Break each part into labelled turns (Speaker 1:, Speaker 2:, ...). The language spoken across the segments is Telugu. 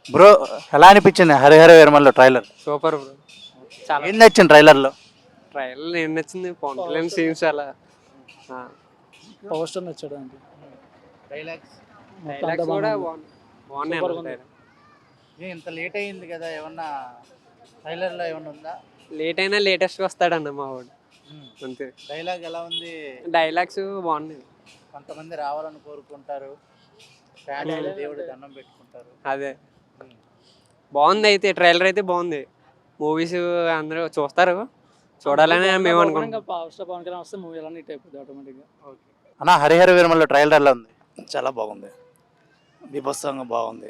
Speaker 1: బ్రో, ఎలా అనిపించింది Harihara Veeramallu trailer?
Speaker 2: Super bro. చాలా
Speaker 1: ఏం నచ్చింది ట్రైలర్లో?
Speaker 2: ట్రైల్ ఏం నచ్చింది, పవన్ కళ్యాణ్ సీన్స్ చాలా
Speaker 3: పవర్ స్టార్ నచ్చాడు అంటే
Speaker 1: డైలాగ్స్
Speaker 2: డైలాగ్స్ కూడా బాగున్నాయి
Speaker 3: Super
Speaker 2: అన్న.
Speaker 3: ఉంది.
Speaker 1: ఇంత లేట్ అయింది కదా, ఏమన్నా ట్రైలర్లో ఏమన్నా ఉందా?
Speaker 2: లేట్ అయినా లేటెస్ట్ వస్తాడన్న మా వాడు అంతే.
Speaker 1: డైలాగ్ ఎలా ఉంది?
Speaker 2: డైలాగ్స్ బాగున్నాయి.
Speaker 1: కొంతమంది రావాలని కోరుకుంటారు, దేవుడు దండం పెట్టుకుంటారు.
Speaker 2: అదే బాగుంది, అయితే ట్రైలర్ అయితే బాగుంది. మూవీస్ అందరూ చూస్తారు, చూడాలని మేము అనుకుంటాం.
Speaker 3: పవర్ స్టార్ పవన్ కళ్యాణ్ వస్తే మూవీ ఎలా హిట్ అయిపోతుంది ఆటోమేటిక్గా.
Speaker 1: అన్న, హరిహర వీరమల్లో ట్రైలర్ ఎలా ఉంది?
Speaker 4: చాలా బాగుంది, బీభత్సంగా బాగుంది.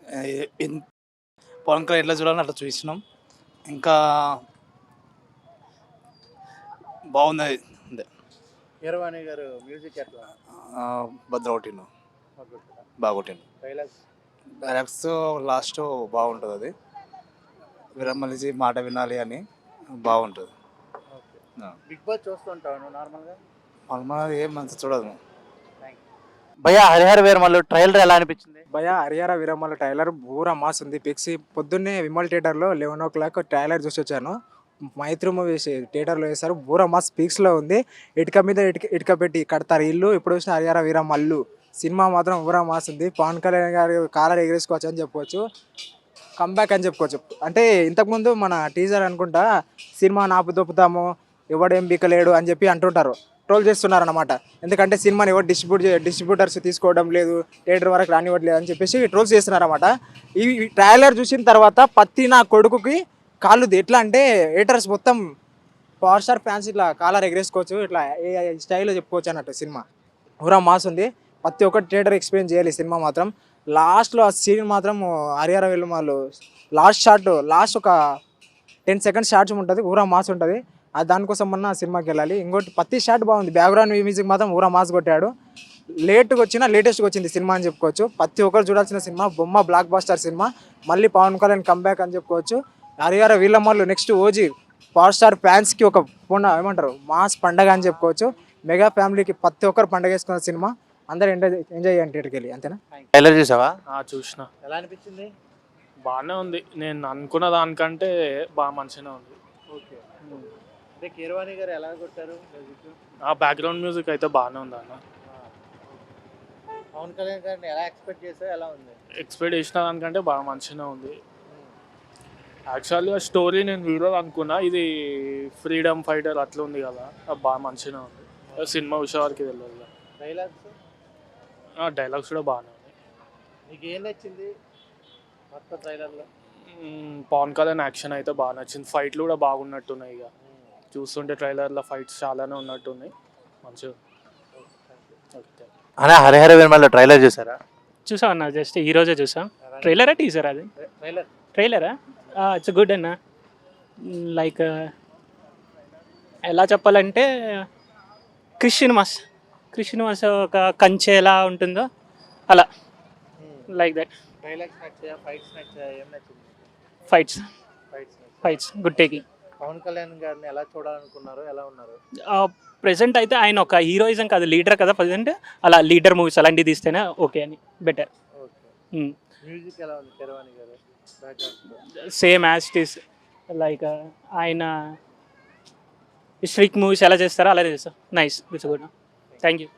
Speaker 4: పవన్ కళ్యాణ్ ఎట్లా చూడాలని అట్లా చూసినాం. ఇంకా బాగుంది అంతే.
Speaker 1: కీరవాణి గారు మ్యూజిక్ ఎట్లా?
Speaker 4: భద్ర కొట్టిను, బాగా కొట్టిను.
Speaker 1: డైలాగ్స్
Speaker 4: డైలాగ్స్ లాస్ట్ బాగుంటుంది. అది విరమలిసి మాట వినాలి అని బాగుంటుంది.
Speaker 1: బిగ్ బాస్ చూస్తుంటాను నార్మల్గా.
Speaker 4: మనది ఏం మంచి చూడదు.
Speaker 1: భయ్యా, హరిహర వీరమల్లో ట్రైలర్ ఎలా అనిపించింది?
Speaker 5: భయ హరిహర వీరమ్మల ట్రైలర్ పూరా మాస్ ఉంది. పిక్స్ పొద్దున్నే విమల్ థియేటర్లో 11 o'clock ట్రైలర్ చూసి వచ్చాను. మైత్రి మూవీ థియేటర్లో వేశారు, పూరా మాస్ పీక్స్లో ఉంది. ఇటుక మీద ఇటుక పెట్టి కడతారు ఇల్లు. ఇప్పుడు వచ్చిన హరిహర వీరమ్మల్లు సినిమా మాత్రం పూరా మాస్ ఉంది. పవన్ కళ్యాణ్ గారు కాలర్ ఎగరేసుకోవచ్చు అని చెప్పుకోవచ్చు, కంబ్యాక్ అని చెప్పుకోవచ్చు. అంటే ఇంతకుముందు మన టీజర్ అనుకుంటా సినిమా నాపు దొప్పుతాము, ఎవడేం బీకలేడు అని చెప్పి అంటుంటారు, ట్రోల్ చేస్తున్నారు అనమాట. ఎందుకంటే సినిమాని ఎవరు డిస్ట్రిబ్యూటర్స్ తీసుకోవడం లేదు, థియేటర్ వరకు రానివ్వట్లేదు అని చెప్పేసి ట్రోల్స్ చేస్తున్నారు అనమాట. ఈ ట్రైలర్ చూసిన తర్వాత పత్తి నా కొడుకుకి కాళ్ళు ఎట్లా అంటే ఏటర్స్ మొత్తం పవర్ స్టార్ ఫ్యాన్స్ ఇట్లా కాలర్ ఎగరేసుకోవచ్చు, ఇట్లా ఏ స్టైల్లో చెప్పుకోవచ్చు అన్నట్టు. సినిమా పూరా మాస్ ఉంది, ప్రతి ఒక్కటి థియేటర్ ఎక్స్పీరియన్స్ చేయాలి. సినిమా మాత్రం లాస్ట్లో ఆ సీన్ మాత్రం హరిహర వీరమల్లు లాస్ట్ ఒక 10 seconds షార్ట్స్ ఉంటుంది, పూరా మాస్ ఉంటుంది. అది దానికోసం మొన్న సినిమాకి వెళ్ళాలి. ఇంకోటి ప్రతి షాట్ బాగుంది, బ్యాక్గ్రౌండ్ మ్యూజిక్ మాత్రం పూరా మాస్ కొట్టాడు. లేట్గా వచ్చినా లేటెస్ట్గా వచ్చింది సినిమా అని చెప్పుకోవచ్చు. ప్రతి ఒక్కరు చూడాల్సిన సినిమా, బొమ్మ బ్లాక్ బాస్టర్ సినిమా. మళ్ళీ పవన్ కళ్యాణ్ కంబ్యాక్ అని చెప్పుకోవచ్చు. Harihara Veeramallu next OG power star ఫ్యాన్స్కి ఒక ఏమంటారు మాస్ పండగ అని చెప్పుకోవచ్చు. మెగా ఫ్యామిలీకి ప్రతి ఒక్కరు పండగ వేసుకున్న సినిమా. అందరూ ఎంజాయ్ చేయండి థియేటర్కి వెళ్ళి, అంతేనా?
Speaker 1: ట్రైలర్ చూసావా?
Speaker 6: చూసిన,
Speaker 1: ఎలా అనిపించింది?
Speaker 6: బాగానే ఉంది. నేను అనుకున్న దానికంటే బాగా మంచిగానే ఉంది.
Speaker 1: ఓకే, అంటే కీరవాణి గారు ఎలా కొట్టారు మ్యూజిక్?
Speaker 6: ఆ బ్యాక్గ్రౌండ్ మ్యూజిక్ అయితే బాగానే ఉంది అన్న.
Speaker 1: పవన్ కళ్యాణ్ గారిని ఎలా ఎక్స్పెక్ట్ చేసావు, ఎలా ఉంది?
Speaker 6: ఎక్స్పెక్ట్ చేసిన దానికంటే బాగా మంచిగానే ఉంది. యాక్చువల్గా స్టోరీ నేను హీరో అనుకున్నా, ఇది ఫ్రీడమ్ ఫైటర్ అట్లా ఉంది కదా, అది బాగా మంచిగానే ఉంది. సినిమా విషయానికి తెలియదు.
Speaker 1: డైలాగ్స్
Speaker 6: డైలాగ్స్ కూడా బాగానే ఉంది.
Speaker 1: నీకు ఏం నచ్చింది మొత్తం ట్రైలర్లో?
Speaker 6: పవన్ కళ్యాణ్ యాక్షన్ అయితే బాగా నచ్చింది. ఫైట్లు కూడా బాగున్నట్టున్నాయి. ఇక చూస్తుంటే ట్రైలర్లో ఫైట్స్ చాలానే ఉన్నట్టున్నాయి, మంచిగా.
Speaker 1: అనే హరిహర వీరమల్లో ట్రైలర్ చూసారా?
Speaker 7: చూసా అన్న, జస్ట్ ఈరోజే చూసా. ట్రైలరా టీజర్ అది? ట్రైలరా? ఇట్స్ గుడ్ అన్న. లైక్ ఎలా చెప్పాలంటే క్రిస్టియన్ మాస్ ఒక కంచె ఎలా ఉంటుందో అలా, లైక్ దట్.
Speaker 1: డైలాగ్స్ నచ్చాయా, ఫైట్స్ నచ్చాయా, ఏం నచ్చింది?
Speaker 7: Fights good taking.
Speaker 1: Pawan Kalyan గారిని ఎలా చూడాలనుకున్నారు, ఎలా ఉన్నారు?
Speaker 7: ప్రెసెంట్ అయితే ఆయన ఒక హీరోయిజం కాదు, లీడర్ కదా ప్రజెంట్. అలా లీడర్ మూవీస్ అలాంటివి తీస్తేనే ఓకే అని, బెటర్.
Speaker 1: మ్యూజిక్ ఎలా ఉంది Keeravani garu background?
Speaker 7: Same as it is. Like ఆయన స్ట్రిక్ మూవీస్ ఎలా చేస్తారో అలా చేస్తారు. Nice, it's good. Thank you.